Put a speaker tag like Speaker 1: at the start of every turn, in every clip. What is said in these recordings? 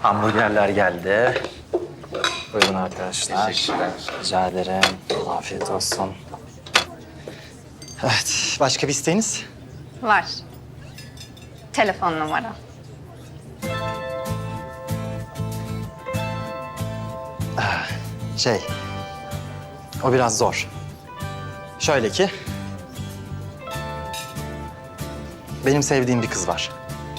Speaker 1: Hamburgerler geldi. Buyurun arkadaşlar.
Speaker 2: Teşekkürler.
Speaker 1: Rica ederim. Afiyet olsun. Evet, başka bir isteğiniz?
Speaker 3: Var. Telefon numara.
Speaker 1: O biraz zor. Şöyle ki... Benim sevdiğim bir kız var.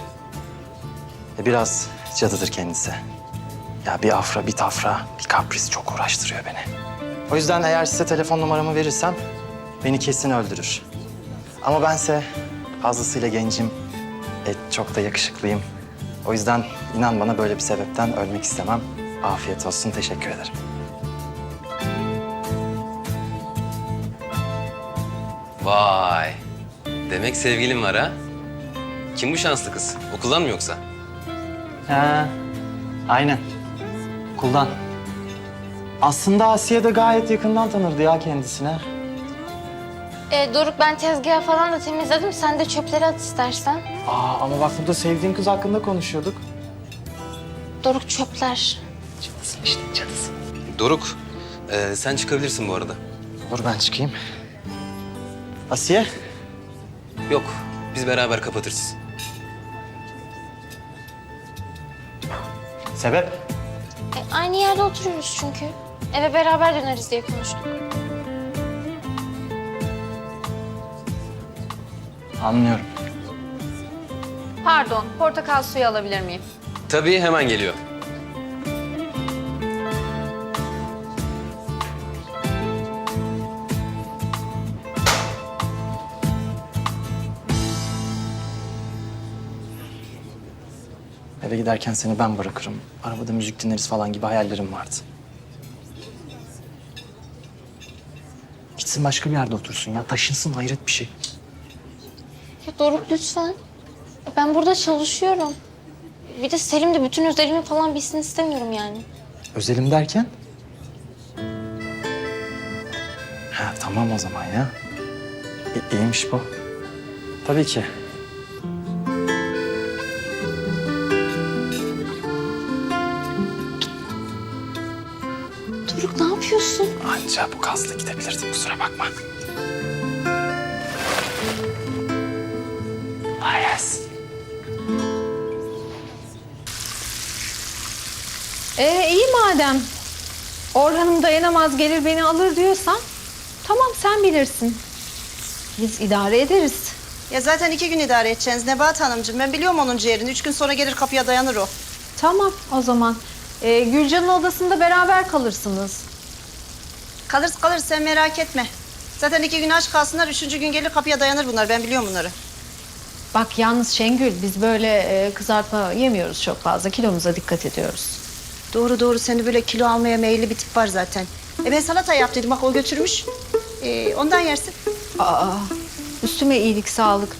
Speaker 1: Biraz cadıdır kendisi. Ya bir afra, bir tafra, bir kapris çok uğraştırıyor beni. O yüzden eğer size telefon numaramı verirsem beni kesin öldürür. Ama bense fazlasıyla gencim, çok da yakışıklıyım. O yüzden inan bana böyle bir sebepten ölmek istemem. Afiyet olsun, teşekkür ederim.
Speaker 2: Vay. Demek sevgilin var ha? Kim bu şanslı kız? Okuldan mı yoksa?
Speaker 1: Ha, aynen. Okuldan. Aslında Asiye de gayet yakından tanırdı ya kendisine.
Speaker 4: Doruk ben tezgahı falan da temizledim. Sen de çöpleri at istersen.
Speaker 1: Ama bak burada sevdiğin kız hakkında konuşuyorduk.
Speaker 4: Doruk çöpler.
Speaker 1: Cadısın işte, cadısın.
Speaker 2: Doruk, sen çıkabilirsin bu arada.
Speaker 1: Olur, ben çıkayım. Asiye?
Speaker 2: Yok, biz beraber kapatırız.
Speaker 1: Sebep?
Speaker 4: Aynı yerde oturuyoruz çünkü. Eve beraber döneriz diye konuştuk.
Speaker 1: Anlıyorum.
Speaker 3: Pardon, portakal suyu alabilir miyim?
Speaker 2: Tabii, hemen geliyor.
Speaker 1: Eve giderken seni ben bırakırım. Arabada müzik dinleriz falan gibi hayallerim vardı. Gitsin başka bir yerde otursun ya. Taşınsın, hayret bir şey.
Speaker 4: Ya Doruk lütfen. Ben burada çalışıyorum. Bir de Selim de bütün özelimi falan bilsin istemiyorum yani.
Speaker 1: Özelim derken? Ha, tamam o zaman ya. İyiymiş bu. Tabii ki.
Speaker 4: Doruk ne yapıyorsun?
Speaker 1: Anca bu gazla gidebilirdim, kusura bakma. Yes.
Speaker 3: İyi madem. Orhan'ım dayanamaz gelir beni alır diyorsan... Tamam sen bilirsin. Biz idare ederiz.
Speaker 5: Ya zaten 2 gün idare edeceğiz Nebahat Hanımcığım. Ben biliyorum onun ciğerini. 3 gün sonra gelir kapıya dayanır o.
Speaker 3: Tamam o zaman. Gülcan'ın odasında beraber kalırsınız.
Speaker 5: Kalırız sen merak etme. Zaten 2 gün aç kalsınlar. 3. gün gelir kapıya dayanır bunlar. Ben biliyorum bunları.
Speaker 3: Bak yalnız Şengül biz böyle kızartma yemiyoruz çok fazla. Kilomuza dikkat ediyoruz.
Speaker 5: Doğru seni böyle kilo almaya meyilli bir tip var zaten. Ben salata yaptıydım bak o götürmüş. Ondan yersin.
Speaker 3: Üstüme iyilik sağlık.